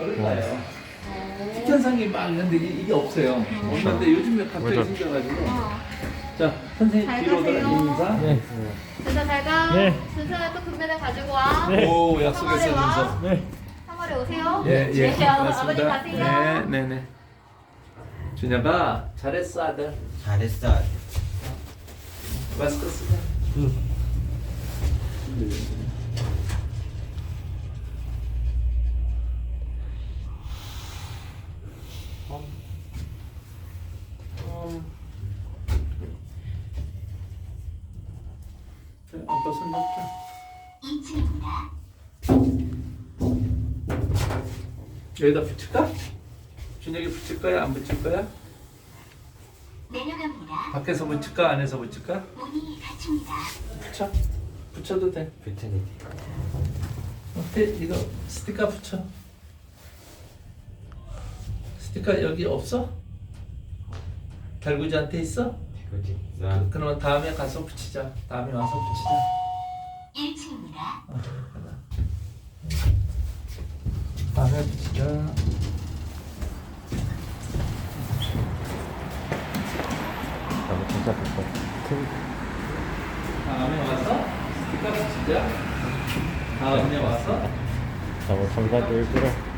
어릴까요? 특현상이 막 있는데 이게 없어요. 없는데 요즘에 갑자기 맞아. 생겨가지고. 어. 자, 선생님 잘 뒤로 가세요. 인사. 네. 준서 잘 가. 네. 준서는 또 금메달 가지고 와. 네. 오, 약속했어요, 와. 준서. 네. 3월에 오세요. 예, 예. 네, 아버님 고맙습니다. 가세요. 네, 네, 네. 준혁아, 잘했어, 아들. 잘했어. 마스크 쓰자. 자, 아빠 손 잡자. 여기다 붙일까? 준혁이 붙일 거야? 안 붙일 거야? 내려갑니다. 밖에서 붙일까? 안에서 붙일까? 문이 닫힙니다. 붙여. 붙여도 돼. 붙여야 어때? 이거 스티커 붙여. 스티커 여기 없어? 달구지한테 있어? 되지. 그러면 다음에 가서 붙이자. 다음에 와서 붙이자. 1층입니다. 다음에 붙이자. 나도 진짜 붙어. 다음에 와서 스티커 붙이자. 다음에 와서 나도 정답 일부러